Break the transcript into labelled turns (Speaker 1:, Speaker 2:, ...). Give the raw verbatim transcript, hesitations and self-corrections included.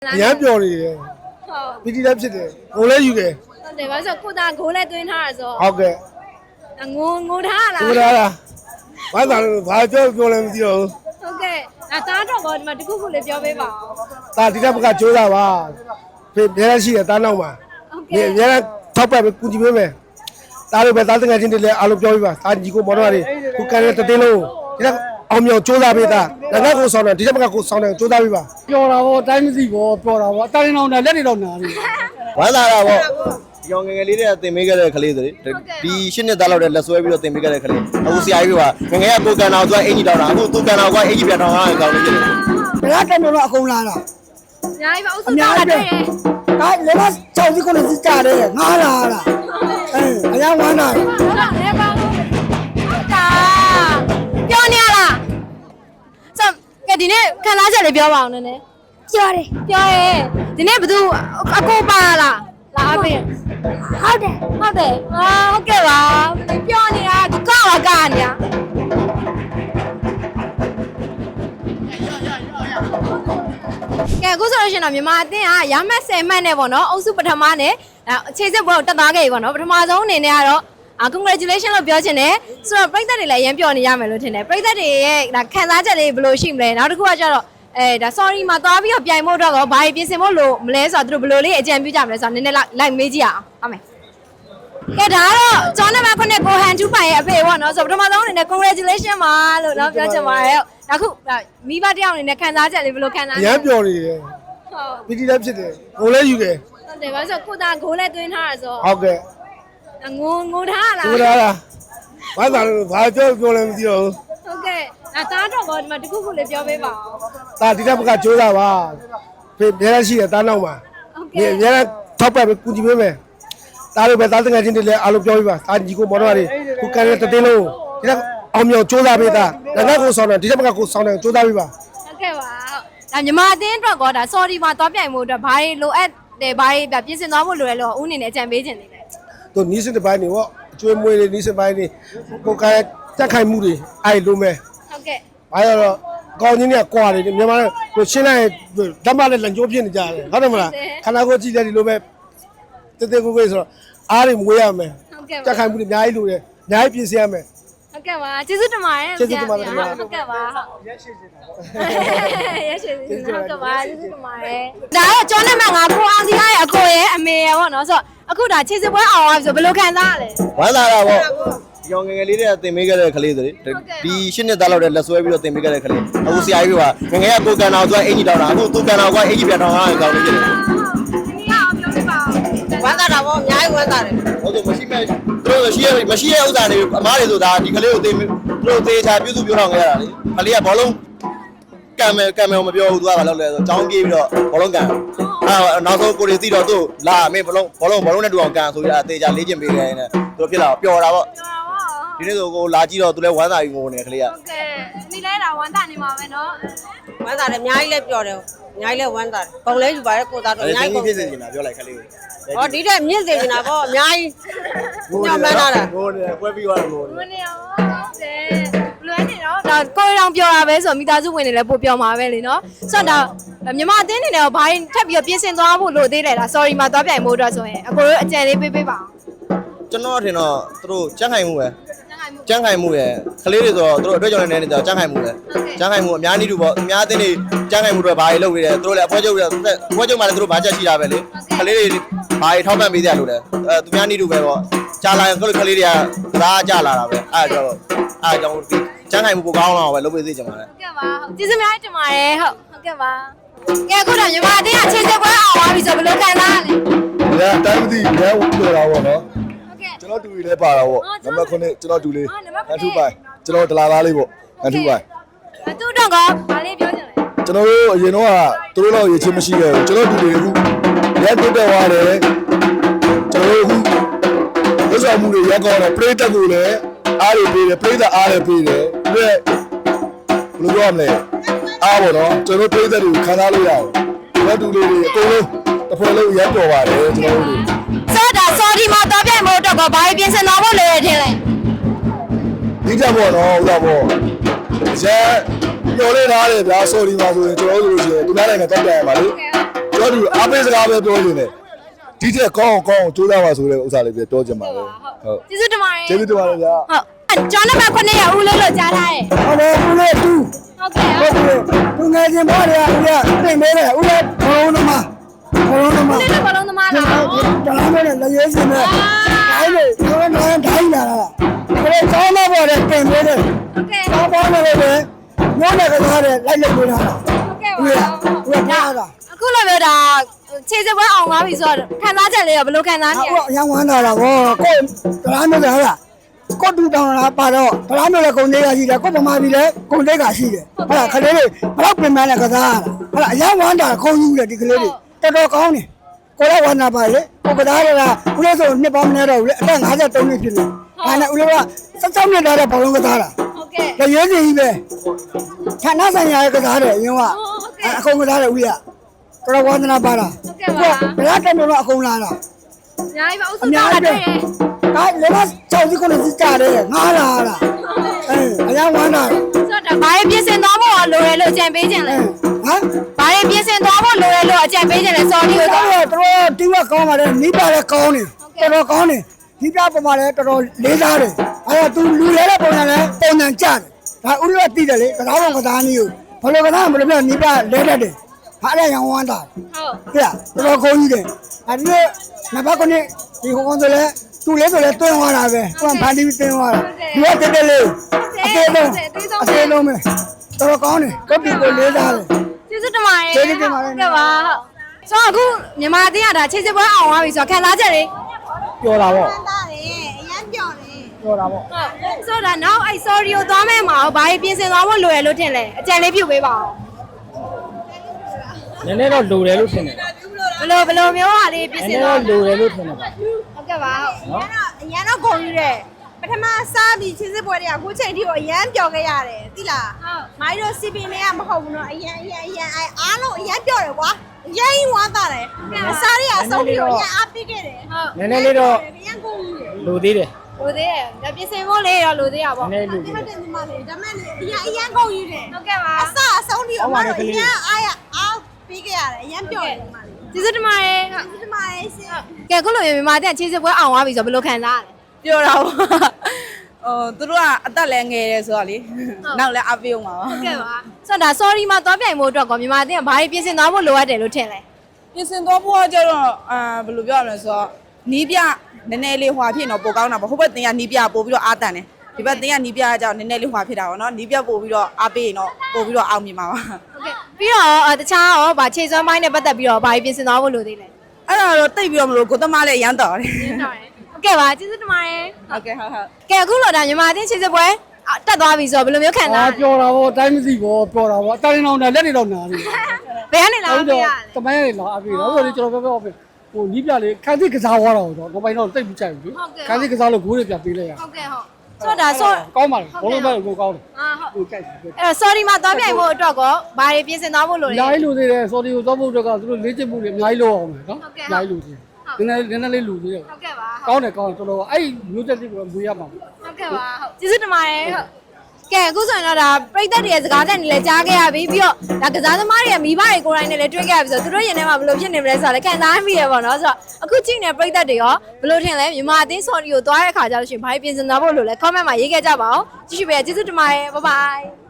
Speaker 1: အရမ်းပျော်နေတယ်ဟုတ်ပီတီလည်းဖြစ်တယ်ငိုလည်းယူတယ်
Speaker 2: ဟုတ်တယ်ဘာလို့ကိုသားဂိုးလည်းသွင်းထားရဆို
Speaker 1: ဟုတ်ကဲ့
Speaker 2: ငိုငိုထားလား
Speaker 1: ငိုထားလားဘာသာလို့ဘာပြောပြောလဲမသိတော့ဘူး
Speaker 2: ဟုတ်ကဲ့ဒါသားတော့ကောဒီမှာတခုခုလေးပြောပေးပါဦး
Speaker 1: ဒါဒီတက်ဘကကြိုးစားပါဖေအများကြီးရှိတယ်တားနောက်မှာဟုတ်ကဲ့အများထောက်ပတ်ပဲကူညီပေးမယ်တားလို့ပဲတားတငယ်ချင်းတွေလည်းအားလုံးပြောပြပါတားညီကိုမော်တော်တွေခုကန်တဲ့တင်းလုံးဒီတက်အောင်မြောင်ကြိုးစားပေးတာငါကကိုဆောင်တယ်ဒီတက်ဘကကိုဆောင်တယ်ကြိုးစားပေးပါ
Speaker 3: ပျော်တာဗောတိုင်းမသိဗောပျော်တာဗောအတိုင်းအောင်နဲ့လက်တွေတော့နာနေ
Speaker 4: ဝမ်းသာတာဗောရောင်ငယ်ငယ်လေးတွေကတင်ပေးခဲ့တဲ့ကလေးတွေဒီရှစ်နှစ်သားလောက်တဲ့လက်ဆွဲပြီးတော့တင်ပေးခဲ့တဲ့ကလေးအခုဆရာကြီးကငငယ်ကကိုကန်တော်ဆိုအင်ကြီးတောင်းတာအခုသူကန်တော်ကအင်ကြီးပြန်တော်တာကောင်းနေတယ်
Speaker 3: ဘယ်ကနေတော့အကုန်လာတာ
Speaker 2: အများကြီးပါဥစ္စာတာတွေ့တယ်
Speaker 3: ဒါလည်းမချောင်းစီကိုလည်းကြတယ်ငားလာတာအဲအရင်ဝမ်းတာ
Speaker 2: ဟုတ်လားလဲပါဟုတ်တာပြောနေရလားဆိုကဲဒီနေ့ခံစားချက်လေးပြောပါအောင်နည်းနည်း
Speaker 5: ပြောတယ်
Speaker 2: ပြောရဲဒီနေ့ဘသူအကိုပါလားလာအပြင်
Speaker 5: ဟုတ်တယ်
Speaker 2: ဟုတ်တယ်ဟာဟုတ်ကဲ့ပါပြောနေတာသူကောက်လာကနေတာကဲအခုဆိုလို့ရှိရင်တော့မြန်မာအသင်းကရမတ်ဆယ်မှတ်နဲ့ပေါ့နော်အုပ်စုပထမနဲ့အခြေစစ်ပွဲကိုတက်သွားခဲ့ပြီပေါ့နော်ပထမဆုံးအနေနဲ့ကတော့ congratulation လို့ပြောချင်တယ်ဆိုတော့ပရိသတ်တွေလည်းအရင်ပြောနေရမယ်လို့ထင်တယ်ပရိသတ်တွေရဲ့ဒါခံစားချက်လေးဘယ်လိုရှိမလဲနောက်တစ်ခုကကျတော့အဲဒါ sorry မှာသွားပြီးတော့ပြိုင်ဖို့တော့ဘာတွေပြင်ဆင်ဖို့လို့မလဲဆိုတော့သူတို့ဘယ်လိုလေးအကြံပြုကြမလဲဆိုတော့နည်းနည်းလိုက်မေးကြည့်အောင်ဟုတ်မယ်ကဲဒါကတော့ကျောင်းနံပါတ်ခုနှစ်ကိုဟန်ထူးပိုင်ရဲ့အဖေပေါ့နော်ဆိုတော့ပထမဆုံးအနေနဲ့ congratulation ပါလို့เนาะပြောချင်ပါတယ်အခုမိဘတယောက်အနေနဲ့ခံစားချက်လေးဘယ်လိုခံစား
Speaker 1: အရမ်းပျော်နေတယ်
Speaker 2: ဟုတ်
Speaker 1: ပီတီလည်းဖြစ်တယ်ငိုလည်းယူတယ်
Speaker 2: ဟုတ်တယ်ဘာလို့ဆိုကိုသားဂိုးလည်းသွင်းထားရဆို
Speaker 1: ဟုတ်ကဲ့
Speaker 2: ငိုငိုထားလား
Speaker 1: ငိုထားလားဘာသာလို့ဘာပြောပြောလဲမသိတော့ဘူး
Speaker 2: ဟုတ်ကဲ့ဒါသားတော့ကောဒီမှာတခုခုလေးပြောပေးပါဦး
Speaker 1: ဒါဒီတက်ဘကကြိုးစားပါဖေအများကြီးရှိတယ်တားနောက်မှာဟုတ်ကဲ့အများထောက်ပတ်ပဲကူညီပေးမယ်တားလို့ပဲတားတငယ်ချင်းတွေလည်းအားလုံးပြောပြပါတားညီကိုမော်တော်တွေခုကန်တဲ့တင်းလုံးဒီတက်အောင်မြောင်ကြိုးစားပေးတာငါကကိုဆောင်တယ်ဒီတက်ဘကကိုဆောင်တယ်ကြိုးစားပေးပါ
Speaker 2: ဟုတ်ကဲ့ပါဒါမြန်မာအသင်းအတွက်ကောဒါ sorry မှာသွားပြိုင်ဖို့အတွက်ဘာတွေလိုအပ်တယ်ဘာတွေပြင်ဆင်သွားဖို့လိုရလို့ဦးအနေနဲ့အကြံပေးခြင်းနေတယ်
Speaker 1: သူနီးစတဲ့ဘိုင်းတွေပေါ့အကျွေးမွေးတွေနီးစပိုင်းတွေကိုကန်တက်ခိုင်မှုတွေအဲ့လိုမဲ့
Speaker 2: ဟုတ်ကဲ့
Speaker 1: ဘာရတော့ကောင်းချင်းတွေကကွာတယ်မြန်မာကိုရှင်းလိုက်ဓမ္မနဲ့လန်ကျိုးဖြစ်နေကြတယ်ဟုတ်တယ်မလားခန္ဓာကိုယ်ကြည့်တယ်ဒီလိုပဲတဲတဲကိုကိုဆိုတော့အားတွေမွေးရမယ်
Speaker 2: ဟုတ်ကဲ့
Speaker 1: တက်ခိုင်မှုတွေအများကြီးလိုတယ်အများကြီးပြင်ဆင်ရမယ်
Speaker 2: ဟုတ်ကဲ့ပါကျေးဇူးတင်ပါတယ်
Speaker 1: ကျေးဇူးတင်ပါတယ်
Speaker 2: ဟုတ်ကဲ့ပါရက်ရှိနေတာရက်ရှိနေတာဟုတ်ကဲ့ပါကျေးဇူးတင်ပါတယ်ဒါတော့ကျောင်းနံပါတ်ငါကိုအောင်စီရဲ့အကိုရဲ့အမေရဲ့ပေါ့နော်ဆိုတော့အခုဒါခြေစစ်ပွဲအောင်သွားပြီဆိုဘယ်လိုခံစားရလဲ
Speaker 4: ဝမ်းသာတာဗောရောင်ငယ်ငယ်လေးတွေကတင်ပေးခဲ့တဲ့ကလေးတွေဒီရှစ်နှစ်သားလောက်တဲ့လက်ဆွဲပြီးတော့တင်ပေးခဲ့တဲ့ကလေးအခုဆရာကြီးကငငယ်ကကိုကန်တော်ဆိုအင်ကြီးတောင်းတာအခုသူကန်တော်ကအင်ကြီးပြန်တော်တာကောင်းနေတယ်
Speaker 2: ဒီကအောင်ပြောပြပါ
Speaker 5: ဝမ်းသာတာဗောအများကြီးဝမ်းသာတယ်
Speaker 4: ဟုတ်တယ်မရှိမဲ့သူတို့ရှိရမရှိရဲ့ဥစ္စာတွေအမားတွေဆိုတာဒီကလေးကိုတင်သူတို့သေချာပြုစုပြောတော့ခဲ့ရတာလေကလေးကဘောလုံးကံမယ်ကံမယ်မပြောဘူးသူကဘာလုပ်လဲဆိုចောင်းပြေးပြီးတော့ဘောလုံးကန်အဲနောက်ဆုံးကိုရီသိတော့သူ့လာမင်းဘောလုံးဘောလုံးဘောလုံးနဲ့တူအောင်ကန်ဆိုပြီးအသေးချာလေ့ကျင့်ပေးခဲ့နေသူဖြစ်လာပျော်တာဗောဒီနေ့ဆိုကိုလာကြည့်တော့သူလည်းဝမ်းသာပြီးငိုနေကလေးက
Speaker 2: ဟုတ်ကဲ့ဒီလဲတာဝမ်းသာနေမှာပဲเนาะ
Speaker 5: ဝမ်းသာတယ်အများကြီးလည်းပြောတယ်အများကြီးလည်းဝမ်းသာတယ်ပုံလဲယူပါတယ်ကိုသားတော့အများကြီးပုံ
Speaker 4: ဖြစ်စေချင်တာပြောလိုက်ကလေးကို
Speaker 5: ဟောဒီတဲ့မြင့်စေချင်တာဗောအများကြီးညောင်းမန်းလာတာ
Speaker 4: ငိုနေပွဲပြီးသွားတော့ငို
Speaker 2: နေနေရောဟုတ်တယ်ဘလွယ်နေတော့ဒါကိုရီတောင်ပြောတာပဲဆိုမိသားစုဝင်တွေလည်းပို့ပြောမှာပဲလေเนาะဆိုတော့ဒါမြန်မာအသင်းနေနဲ့ဘာထပ်ပြီးတော့ပြင်ဆင်သွားဖို့လို့သေးတယ်လား sorry မှာသွားပြိုင်ဖို့အတွက်ဆိုရင်အကိုတို့အကြံလေးပေးပေးပါအောင်
Speaker 4: ကျွန်တော်ထင်တော့သူတို့ကြက်ခိုင်မှုပဲကြမ်းခိုင်မှုရဲ့ကလေးတွေဆိုတော့သူတို့အတွက်ကြောင့်လည်းနေကြကြမ်းခိုင်မှုပဲကြမ်းခိုင်မှုအများကြီးတူပေါ့အများအသင်းတွေကြမ်းခိုင်မှုတွေဘာတွေလုပ်နေတယ်သူတို့လည်းအဖွဲချုပ်တွေအဖွဲချုပ်မှလည်းသူတို့ဘာချက်ရှိတာပဲလေကလေးတွေဘာတွေထောက်ပံ့ပေးကြလို့လဲအဲသူများနေတူပဲပေါ့ကြာလာရင်ကလေးကလေးတွေကစားကြလာတာပဲအဲဒါတော့အဲကြောင့်ကြမ်းခိုင်မှုပိုကောင်းတော့ပဲလုပ်ပေးစေချင်ပါတယ်
Speaker 2: ဟုတ်ကဲ့ပါကျေးဇူးများတင်ပါတယ်ဟုတ်ဟုတ်ကဲ့ပါကဲအခုတော့မြန်မာအသင်းကချင်းစစ်ပွဲအောင်သွားပြီဆိုဘယ်လိုခံစားရလဲ
Speaker 1: ဒါတိုင်းမသိဘယ်ဦးပြောတာပေါ့နော်ကျွန်တော်တူလေးလည်းပါတာပေါ့နံပါတ်ခုနှစ်ကျွန်တော်တူလေးအထူးပိုင်ကျွန်တော်ဒလာသားလေးပေါ့အထူးပိုင်
Speaker 2: အတူတော့ကဘာလေးပြောချင်လဲ
Speaker 1: ကျွန်တော်တို့အရင်တော့ကသူတို့တော့ရေချင်းမရှိခဲ့ဘူးကျွန်တော်တူလေးအခုရက်တက်တက်သွားတယ်ကျွန်တော်တို့အခုဝတ်ဆောင်မှုတွေရက်ကောင်းတယ်ပရိသတ်ကိုလည်းအားရပေးတယ်ပရိသတ်အားရပေးတယ်ပြီးတော့ဘယ်လိုပြောမလဲအားပေါ့နော်ကျွန်တော်ပရိသတ်တွေကိုခံစားလို့ရတယ်ကျွန်တော်တူလေးတွေအကုန်လုံးတစ်ဖွဲ့လုံးရက်တော်ပါတယ်ကျွန်တော်တို့
Speaker 2: ဆိုတော့ sorry မှာသွားပြိုင်ဖို့အတွက်ကဘာတွေပြင်ဆင်သွားဖို့လိုရထင်လဲ
Speaker 1: ဒီကြပေါ့နော်ဥသာပေါ့ရဲပြောလေးထားတယ်ဗျာ sorry မှာဆိုရင်ကျွန်တော်တို့ဆိုလို့ရှိရင်ဒီနေ့နိုင်ငံတော့ပြန်ရပါလေကျွန်တော်တို့အပေးစကားပဲပြောနေတယ်ဒီထက်ကောင်းကောင်းကြိုးစားပါဆိုတဲ့ဥစ္စာလေးပဲပြောချင်ပါတယ်ဟုတ်
Speaker 2: ကျေးဇူးတင်ပါတယ်
Speaker 1: ကျေးဇူးတင်ပါတယ်ဗျာ
Speaker 2: ဟုတ်ကျွန်တော်နံပါတ်9ရဦးလို့လို့ကြားထားတယ်
Speaker 3: ဟုတ်တယ်ဦးလေးတူ
Speaker 2: ဟုတ်ကဲ့
Speaker 3: ဟုတ်တယ်သူငယ်ချင်းဘောတွေကဦးလေးပြင်ပေးတယ်ဦးလေးဘလုံးသမားဘလုံးသမား
Speaker 2: ဦးလေးလည်းဘလုံးသမားလား
Speaker 3: တလားမဲနဲ့လည်းရေးစင်းနဲ့တိုင်းလေကျွန်တော်လည်းတိုင်းလာတာဘယ်ကောင်းတော့ဘောတွေပြင်ပေးတယ်
Speaker 2: ဟုတ်ကဲ့
Speaker 3: ကောင်းပေါင်းတယ်လေညောင်းတဲ့ကစားတယ်လိုက်လိုက်ပေးတာ
Speaker 2: ဟုတ်ကဲ့
Speaker 3: ဦး
Speaker 2: ပါ
Speaker 3: လေးဦးလေးထားတာ
Speaker 2: အခုလိုပြောတာခြေစပွဲအောင်သွားပြီဆိုတော့ခံစားချက်လေးရောဘယ်လိုခံစားနေရ
Speaker 3: အခုအရင်ဝမ်းလာတာဗောကိုတလားမဲလည်းဟာလားကိုတူတောင်းလာပါတော့တလားမဲလည်းကုန်သေးရရှိတယ်ကိုပမာပြီလည်းကုန်သေးကရှိတယ်ဟုတ်လားခလေးလေးဘလောက်ပြင်မှန်းလဲကစားဟုတ်လားအရင်ဝမ်းတာခုံးယူတယ်ဒီကလေးလေးတော်တော်ကောင်းတယ်ကိုလည်းဝမ်းနာပါလေကိုကစားရတာဦးလေးဆိုနှစ်ပေါင်းမနေတော့ဘူးလေအသက်53နှစ်ဖြစ်နေဒါနဲ့ဦးလေးက16နှစ်သားတဲ့ဘောလုံးကစားတာ
Speaker 2: ဟုတ်ကဲ့
Speaker 3: လေရဲကြီးကြီးပဲဌာနဆိုင်ရာကစားတယ်အရင်ကအခုံကစားတယ်ဦးလေးကတော်ဝန္ဒနာပါတာဘယ်တော့တော့အကုန်လာတာ
Speaker 2: အများကြီးပါအုပ်စုတောင်းလာတွေ့တယ်
Speaker 3: ဒါလည်းမချောင်းစီကိုလည်းကြတယ်ငားလာတာအဲအရင်ဝမ်းတာ
Speaker 2: ဆိုတော့ဘာတွေပြင်ဆင်သွားဖို့လိုရလို့အကြံပေးခြင်းလဲ
Speaker 3: ဟမ်
Speaker 2: ဘာတွေပြင်ဆင်သွားဖို့လိုရလို့အကြံပေးခြင်းလဲ sorry ကို
Speaker 3: တော်
Speaker 2: တော့
Speaker 3: တော်တော်တီးဝကောင်းပါတယ်မိပါလည်းကောင်းတယ်တော်တော်ကောင်းတယ်ဒီပြပုံမှာလည်းတော်တော်လေးစားတယ်အဲဒါသူလူလဲတဲ့ပုံစံလည်းပုံစံကြတယ်ဒါဥရောပတီးတယ်လေကစားပုံကစားနည်းကိုဘယ်လိုကစားမလို့ပြမိပြလဲတတ်တယ်ဟာလည်းရန်ဝမ်းတာ
Speaker 2: ဟုတ်
Speaker 3: ပြတော်တော်ကောင်းကြီးတယ်အဲဒီနံပါတ်9ဒီဟိုကောင်ဆိုလဲသူလဲဆိုလဲတွင်းသွားတာပဲသူကဖန်တီးတွင်းသွားတာဒီကတက်တက်လေးအသေးလုံးအသေးလုံးပဲတော်တော်ကောင်းတယ်ကပ်ပြီးကိုလေးစားတယ်
Speaker 2: ကျေးဇူးတင်ပါတယ်
Speaker 3: ကျေးဇူးတင်ပါတယ်
Speaker 2: ဟုတ်ကဲ့ပါဟုတ်ဆိုတော့အခုမြန်မာအသင်းကဒါခြေစပွဲအောင်သွားပြီဆိုတော့ခံစားချက်လေး
Speaker 3: ပြောတာပေါ့
Speaker 5: တာတယ်အရန်ပြော်တယ်
Speaker 3: ပြောတာပေါ့
Speaker 2: ဟုတ်ဆိုတော့နောက်အဲ့ sorry ကိုသွားမဲ့မှာဘာတွေပြင်ဆင်သွားဖို့လိုရလို့ထင်လဲအကြံလေးပြုပေးပါဦး
Speaker 6: နည်းနည်းတော့လိုတယ်လို့ထင်တယ်
Speaker 2: ဘယ်လိုဘယ်လိုမျိုးဟာလေးပြင်
Speaker 6: န
Speaker 2: ဆ
Speaker 6: ည်း
Speaker 2: င်
Speaker 6: နည်း
Speaker 2: သွား
Speaker 6: တော့လိုတယ်လို့ထင်တယ်ပါ
Speaker 2: ဟုတ်ကဲ့ပါဟုတ်
Speaker 5: အရန်တော့အရန်တော့ဂုံယူတယ်ပထမစားပြီးချင်းစစ်ပွဲတွေကအခုချိန်ထိကိုအရန်ပျော်ခဲ့ရတယ်သိလား
Speaker 2: ဟုတ်
Speaker 5: မိုင်းတို့စီပင်တွေကမဟုတ်ဘူးနော်အရန်အရန်အရန်အဲအားလုံးအရန်ပျော်တယ်ကွာအရန်ဝမ်းသာတယ်အစားတွေကအဆုံးပြီးတော့အရန်အားပေးခဲ့တယ်
Speaker 2: ဟုတ်
Speaker 6: နည်းနည်းလေးတော့
Speaker 5: အရန်ဂုံယူတယ်
Speaker 6: လိုသေးတယ်
Speaker 2: လိုသေးတယ်ဒါပြင်ဆင်ဖို့လေးရောလိုသေးတာပေါ့
Speaker 6: နည်းနည်းလို
Speaker 5: ဒီ
Speaker 6: သေး
Speaker 5: မှာ
Speaker 6: တယ်
Speaker 5: တင်ဒီမှာလေဒါမဲ့အရန်အရန်ဂုံယူတယ်
Speaker 2: ဟုတ်ကဲ့ပါ
Speaker 5: အစားအဆုံးပြီးတော့အမတို့အရန်အားရအားပေးခဲ့ရတယ်အရန်ပျော်တယ်ဒီမှာလေ
Speaker 2: ကျေးဇူးတင်ပါတယ်ဟုတ်
Speaker 5: ဒီမှာလေရှင်
Speaker 2: ကဲခုလိုမြန်မာအသင်းခြေစပွဲအောင်သွားပြီဆိုတော့ဘယ်လိုခံစားရလဲ
Speaker 7: ပြောတာပေါ့ဟိုသူတို့ကအသက်လည်းငယ်တယ်ဆိုတော့လေနောက်လည်းအပေးအောင်ပါပါ
Speaker 2: ဟုတ်ကဲ့ပါဆိုတော့ဒါ sorry မှာသွားပြိုင်ဖို့အတွက်ကောမြန်မာအသင်းကဘာတွေပြင်ဆင်သွားဖို့လိုအပ်တယ်လို့ထင်လဲ
Speaker 7: ပြင်ဆင်သွားဖို့ကကြတော့အာဘယ်လိုပြောရမလဲဆိုတော့နီးပြနည်းနည်းလေးဟွာဖြစ်တော့ပိုကောင်းတာပေါ့ဟိုဘက်တင်ကနီးပြပို့ပြီးတော့အားတန်တယ်ဒီဘက်တင်ကနီးပြကကြောင့်နည်းနည်းလေးဟွာဖြစ်တာပေါ့နော်နီးပြပို့ပြီးတော့အားပေးရင်တော့ပို့ပြီးတော့အောင်မြင်ပါပါ
Speaker 2: ဟုတ်ကဲ့ပြီးတော့တခြားရောဗာခြေစွမ်းပိုင်းနဲ့ပတ်သက်ပြီးတော့ဘာတွေပြင်ဆင်သွားဖို့လိုသေးလဲ
Speaker 7: အဲ့ဒါတော့တိတ်ပြီးတော့မလို့ကိုသမားလည်းရမ်းတော်တယ်
Speaker 2: ဟုတ်ကဲ့ပါကျေးဇူးတင်ပါတယ်
Speaker 7: ဟုတ်ကဲ့ဟုတ်ဟုတ်
Speaker 2: ကဲအခုလိုဒါမြန်မာအသင်းခြေစပွဲတက်သွားပြီဆိုတော့ဘယ်လိုမျိုးခံစားရ
Speaker 3: အာ
Speaker 2: လဲ
Speaker 3: ပြောတာပေါ့တိုင်းမသိပေါ့ပြောတာပေါ့အတိုင်းအောင်လက်နေတော့နာနေ
Speaker 2: ဘယ်ကနေလာပြရလဲ
Speaker 3: တမိုင်းရလာအပြီတော့ဆိုတော့ကျွန်တော်ပြောပြောဟိုနီးပြလေးခန်းသိကစားသွားတော့တော့နောက်ပိုင်းတော့တိတ်ပြီးကြိုက်ဘူးခန်းသိကစားလို့ဂိုးတွေပြပေးလိုက်ရ
Speaker 2: ဟုတ်ကဲ့ဟုတ်ဆိုတော့ဒါဆို
Speaker 3: ကောင်းပါလေဘောလုံးပဲကိုကောင်းတယ်
Speaker 2: အာဟုတ်
Speaker 3: ကိုကြိုက်တယ်
Speaker 2: အဲ့တော့ sorry မှာသွားပြိုင်ဖို့အတွက်ကောဘာတွေပြင်ဆင်သွားဖို့လို
Speaker 3: အ
Speaker 2: လဲ
Speaker 3: များကြီးလူသေးတယ်စော်ဒီကိုသွားဖို့အတွက်ကသူတို့လေ့ကျင့်မှုတွေအများကြီးလုပ်အောင်မယ်နော်အများကြီးလူသေးတယ်နည်းနည်းနည်းနည်းလေးလူသေးတယ်
Speaker 2: ဟုတ်ကဲ့ပါ
Speaker 3: ကောင်းတယ်ကောင်းတယ်တော်တော်အဲ့မျိုးတက်လေးကိုမွေးရမှာ
Speaker 2: ဟုတ်ကဲ့ပါဟုတ်ကျေးဇူးတင်ပါတယ်ဟုတ်ကဲအခုဆိုရင်တော့ဒါပြိသက်တွေရဲ့စကားတက်နေလဲကြားခဲ့ရပြီပြီးတော့ဒါကစားသမားတွေရဲ့မိဘတွေကိုယ်တိုင်နဲ့လည်းတွေ့ခဲ့ရပြီဆိုတော့သူတို့ရင်ထဲမှာဘယ်လိုဖြစ်နေမလဲဆိုတော့လည်းခံစားမိရပါတော့ဆိုတော့အခုကြည့်နေပြိသက်တွေရောဘယ်လိုထင်လဲမြန်မာအသင်း sorry ကိုသွားတဲ့အခါကျလို့ရှိရင်ဘာပြင်ဆင်သွားဖို့လို့လဲ comment မှာရေးခဲ့ကြပါဦးကြည့်ရှုပေးကျေးဇူးတင်ပါတယ် bye bye